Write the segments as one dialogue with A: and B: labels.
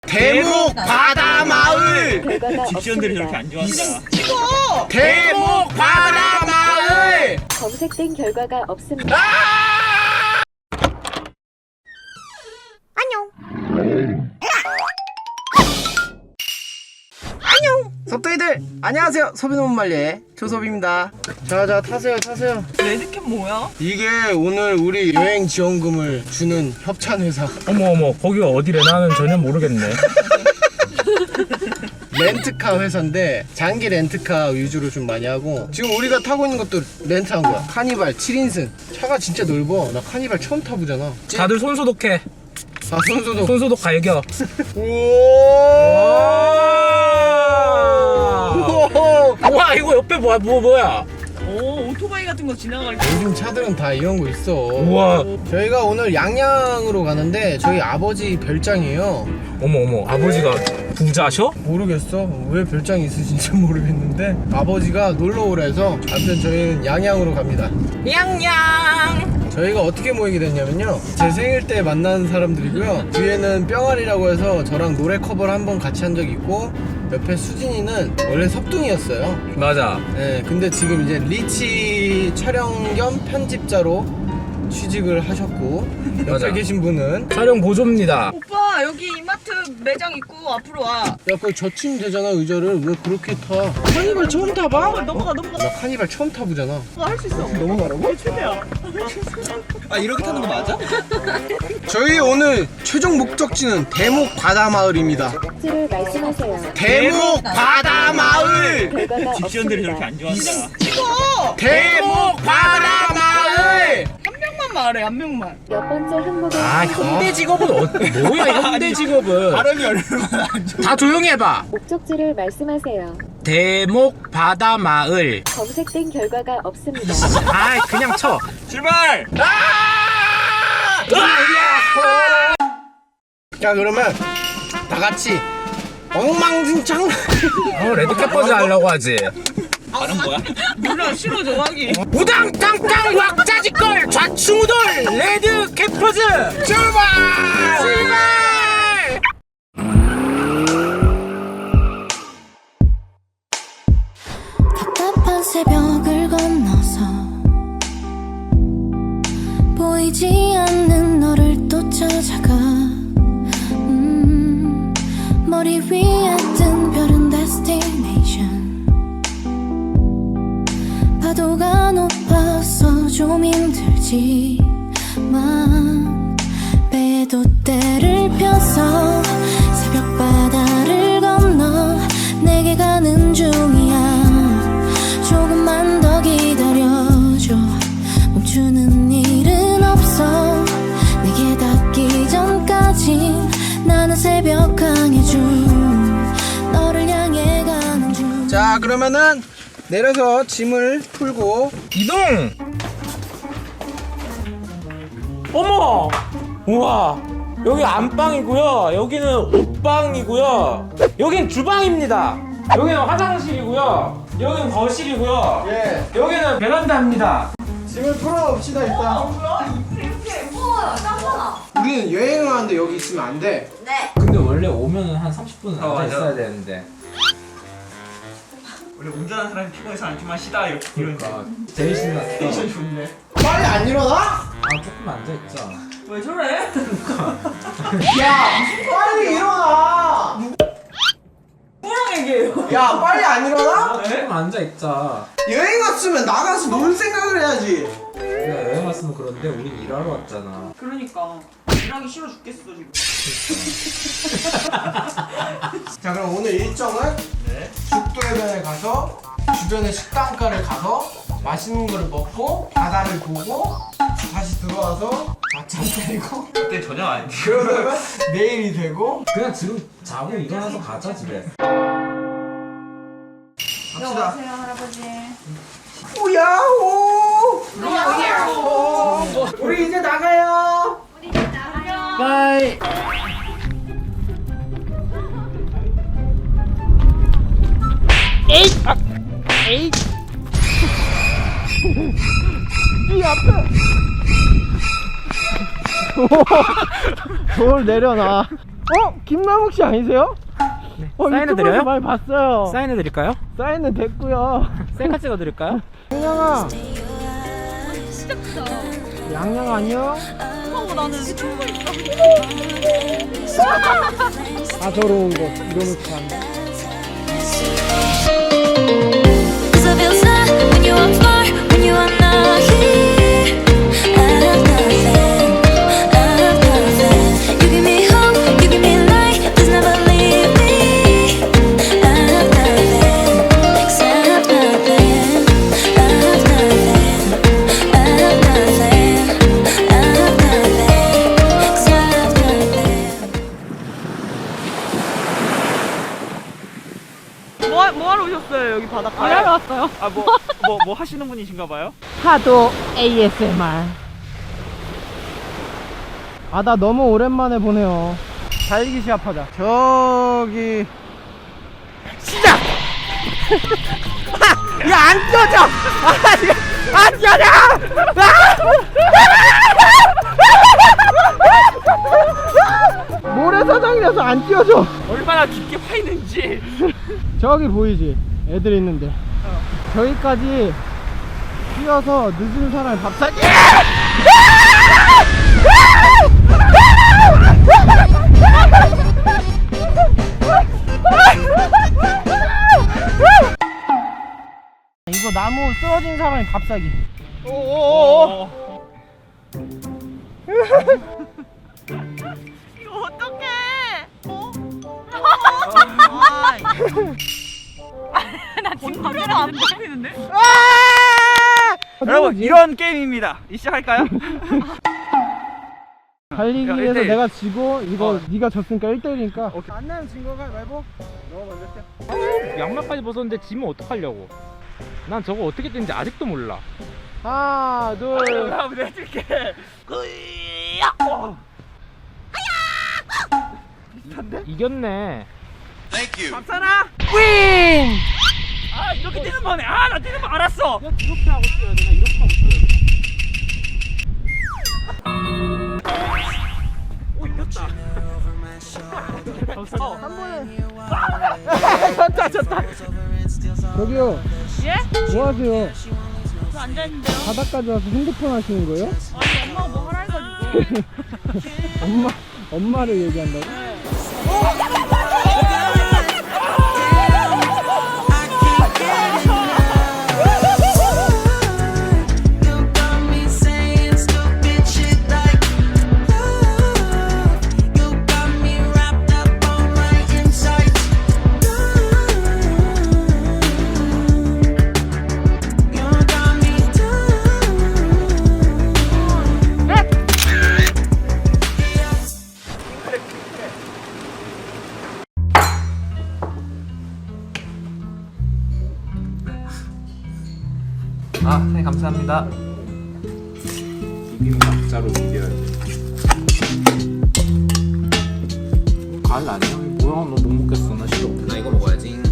A: 대목 바다 마을.
B: 집시원들이 저렇게 안 좋아한다.
A: 찍어. 대목 바다 마을.
C: 검색된 결과가 없습니다.
A: 섭도이들 안녕하세요. 소비노문말리의 조섭입니다. 자자 타세요.
B: 레드캡 뭐야?
A: 이게 오늘 우리 여행 지원금을 주는 협찬 회사
D: 어머 거기가 어디래? 나는 전혀 모르겠네.
A: 렌트카 회사인데 장기 렌트카 위주로 좀 많이 하고, 지금 우리가 타고 있는 것도 렌트한 거야. 카니발 7인승. 차가 진짜 넓어. 나 카니발 처음 타보잖아.
D: 다들 손 소독해.
A: 아 손소독.
D: 손 소독 갈겨. 와 이거 옆에 뭐야?
B: 오, 오토바이 같은 거 지나갈 때.
A: 요즘 차들은 다 이런 거 있어.
D: 우와.
A: 저희가 오늘 양양으로 가는데 저희 아버지 별장이에요.
D: 어머 아버지가 부자셔?
A: 모르겠어. 왜 별장이 있으신지 모르겠는데 아버지가 놀러 오라 해서 아무튼 저희는 양양으로 갑니다.
D: 양양.
A: 저희가 어떻게 모이게 됐냐면요, 제 생일 때 만난 사람들이고요. 뒤에는 뿅아리라고 해서 저랑 노래 커버를 한번 같이 한 적이 있고, 옆에 수진이는 원래 섭둥이였어요.
D: 맞아.
A: 네, 근데 지금 이제 리치 촬영 겸 편집자로 취직을 하셨고, 옆에
D: 맞아.
A: 계신 분은
D: 촬영 보조입니다.
B: 오빠, 여기 이마트 매장 있고 앞으로 와.
A: 야, 그거 젖힘 되잖아. 의자를 왜 그렇게 타? 카니발 처음 타봐?
B: 넘어가.
A: 나 카니발 처음 타보잖아.
B: 할 수 있어.
A: 넘어가라고?
B: 최대야.
E: 아 이렇게 타는 거 맞아?
A: 저희 오늘 최종 목적지는 대목 바다마을입니다.
C: 목적지를 말씀하세요.
A: 대목 바다마을.
C: 결과가
B: 집시원들이 저렇게
C: 없습니다.
B: 안 좋아한다.
A: 대목 바다마을.
B: 한 명만 말해, 한 명만.
C: 몇 번째 항목에
D: 아 현대 직업은 뭐야 현대 직업은?
E: 발음이 얼마나 안 좋아.
D: 다 조용히 해봐.
C: 목적지를 말씀하세야.
D: 대목 바다 마을.
C: 검색된 결과가 없습니다.
D: 아 그냥 쳐.
E: 출발!
A: 자, 그러면 다 같이 엉망진창.
D: 레드캡 버즈 하려고 하지.
E: 발음 뭐야?
B: 몰라, 싫어, 저 하기.
D: 우당탕탕 왁자지껄 좌충우돌 레드캡 버즈 출발.
F: 답답한 새벽을 건너서 보이지 않는 너를 또 찾아가. 머리 위에 뜬 별은 destination. 파도가 높아서 좀 힘들지만 배도 때를 펴서 새벽 바다를 건너 내게 가는 중이야. 조금만 더 기다려줘. 멈추는 일은 없어. 내게 닿기 전까지 나는 새벽 강해준 너를 향해 가는 중.
A: 자, 그러면은 내려서 짐을 풀고.
D: 이동. 어머 우와 여기 안방이고요, 여기는 옷방이고요, 여긴 주방입니다, 여기는 화장실이고요, 여기는 거실이고요,
A: 예.
D: 여기는 베란다입니다.
A: 짐을 풀어봅시다 일단. 우리는 여행을 하는데 여기 있으면 안 돼.
D: 근데 원래 오면은 한 30분은 앉아
E: 맞아.
D: 있어야 되는데.
E: 원래 운전하는 사람이 피곤해서 앉기만 쉬다 이런
D: 그러니까 제일 신났어.
E: 텐션 좋네.
A: 빨리 안 일어나?
D: 아 조금 앉아 있자.
B: 왜 저래?
A: 야, 빨리 일어나.
B: 뭐랑 얘기해요?
A: 야, 빨리 안 일어나?
D: 조금 앉아 있자.
A: 여행 왔으면 나가서 놀 생각을 해야지.
D: 우리가 여행 왔으면 그런데 우린 일하러 왔잖아.
B: 그러니까. 일하기 싫어 죽겠어, 지금.
A: 자, 그럼 오늘 일정은 죽도해변에 가서 주변의 식당가를 가서 맛있는 거를 먹고 바다를 보고 다시 들어와서 낮잠 때리고
E: 그때 저녁 아닌데.
A: 그러다가 내일이 되고.
D: 그냥 지금 자고 일어나서 가자 집에.
A: 갑시다.
B: 할아버지.
A: 오야호! 우리 이제 나가요. 바이. 이 앞에 돌 내려놔. 김남욱 씨 아니세요?
D: 사인해
A: 유튜브에서
D: 드려요?
A: 많이 봤어요.
D: 사인해 드릴까요?
A: 사인은 됐고요.
D: 셀카 찍어 드릴까요?
A: 양양아. 양양 안녕.
B: 나는
A: 다저로운 거 이러면서 가는.
F: Cause I feel sad when you are far, when you are not here. I have nothing, I have nothing. You give me hope, you give me light, just never leave me. I have nothing, 'cause I have nothing, I have nothing, I have nothing, I have nothing, 'cause I have nothing.
B: 뭐 하러 오셨어요 여기 바닷가에?
E: 일하러 왔어요. 뭐 하시는 분이신가 봐요?
A: 하도 ASMR. 아, 나 너무 오랜만에 보네요. 달리기 시합하자. 저기 시작. 야, 안 껴져. 안 껴져. 모래사장이라서 안 띄워져.
E: 얼마나 깊게 파이는지.
A: 저기 보이지? 애들 있는데. 저기까지 뛰어서 늦은 사람이 밥 사기. 이거 나무 쓰러진 사람이 밥 사기.
E: 오오오.
B: 이거 어떡해? 나 지금 카메라 안 보이는데?
E: 여러분 이런 게임입니다. 시작할까요?
A: 달리기에서
E: 야, 1대1.
A: 내가 지고 이거 네가 졌으니까 1대1이니까 안 내면 진 거가 말고 너가 먼저 해.
D: 양말까지 벗었는데 지면 어떡하려고? 난 저거 어떻게 되는지 아직도 몰라.
A: 하나 둘.
E: 내가 해줄게.
D: 이겼네.
E: 감사나.
A: 윈!
E: 아 이렇게 뛰는 거네. 아 나 뛰는 거 알았어.
D: 이렇게 하고 뛰어야 되나? 이렇게 하고 뛰어야 되나?
E: 오 이겼다.
A: 졌다. 저기요.
B: 예?
A: 뭐 하세요?
B: 저 앉아있는데요?
A: 바닥까지 와서 핸드폰 하시는 거예요?
B: 아니 엄마가 뭐 하라 해가지고
A: 엄마를 얘기한다고?
E: 아 네 감사합니다.
D: 비빔각자로 비벼야지. 갈 아니야? 뭐야, 너 못 먹겠어. 나 싫어. 나 이거 먹어야지.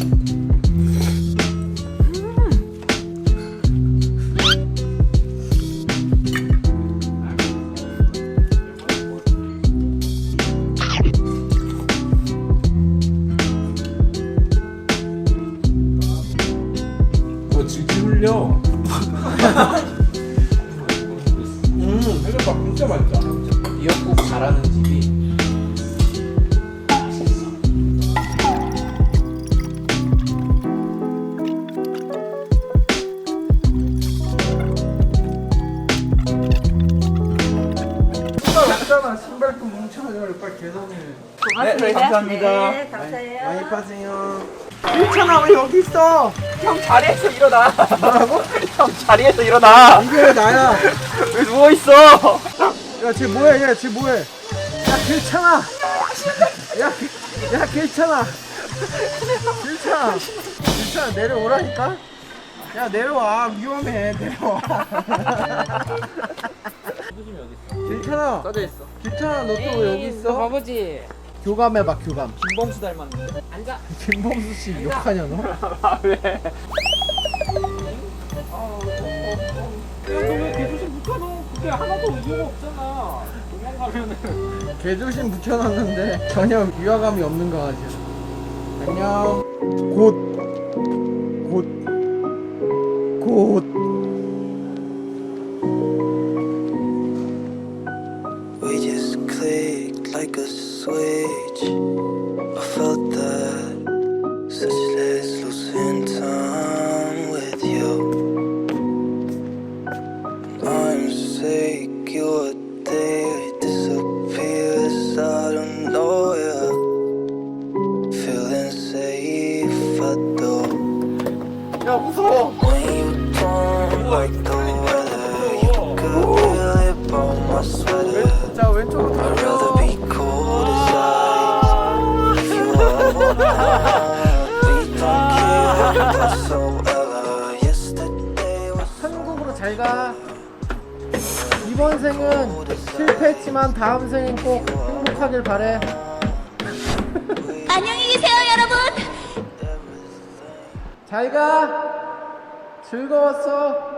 D: 뭐 질질 흘려. 해장밥 진짜 맛있다. 미역국 잘하는 집이.
A: 없잖아. 신발도 뭉쳐가지고 빨리 계산해.
E: 네 감사합니다.
B: 네 감사해요.
A: 많이 파세요. 일천아 왜 여기 있어?
E: 형 자리에서 일어나.
A: 뭐라고?
E: 형 자리에서 일어나.
A: 이게 왜 나야?
E: 왜 누워 있어?
A: 야, 쟤 뭐해? 야, 쟤 뭐해? 야, 괜찮아. 야, 괜찮아. 괜찮아. 내려오라니까. 야, 내려와. 위험해. 내려와. 괜찮아.
E: 써져 있어.
A: 괜찮아. 너 또 왜 여기 있어?
D: 바보지.
A: 교감해봐, 교감.
E: 김범수 닮았는데.
D: 앉아.
A: 김범수 씨 욕하냐 너?
E: 아 왜?
D: 야, 너 왜 계속 못하노? 그게 하나도 이유가 없잖아. 도망가.
A: 개조심 붙여놨는데 전혀 위화감이 없는 강아지야. 안녕. 곧.
G: We just clicked like a switch. I felt that such less losing time with you. I'm sick, you're there, it disappears out of nowhere. Feeling safe, I do.
A: 야 무서워.
G: When you don't like the weather, you could feel it on my sweater.
A: 자 왼쪽으로
G: I'd rather
A: 돌려.
G: be cold as ice. If you ever we don't care whatsoever. Yesterday was
A: 한국으로 잘 가. 이번 생은 실패했지만 다음 생은 꼭 행복하길 바래.
F: 안녕히 계세요, 여러분.
A: 잘 가. 즐거웠어.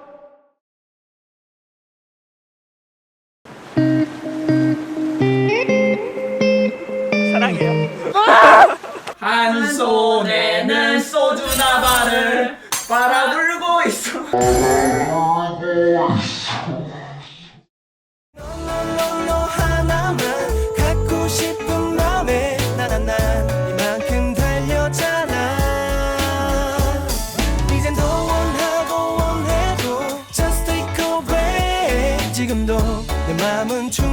E: 한 손에는 소주 나발을 빨아들고 있어.
G: 너 하나만 갖고 싶은 맘에 난 이만큼 달렸잖아. 이젠 더 원하고 원해도 just take a break. 지금도 내 맘은 충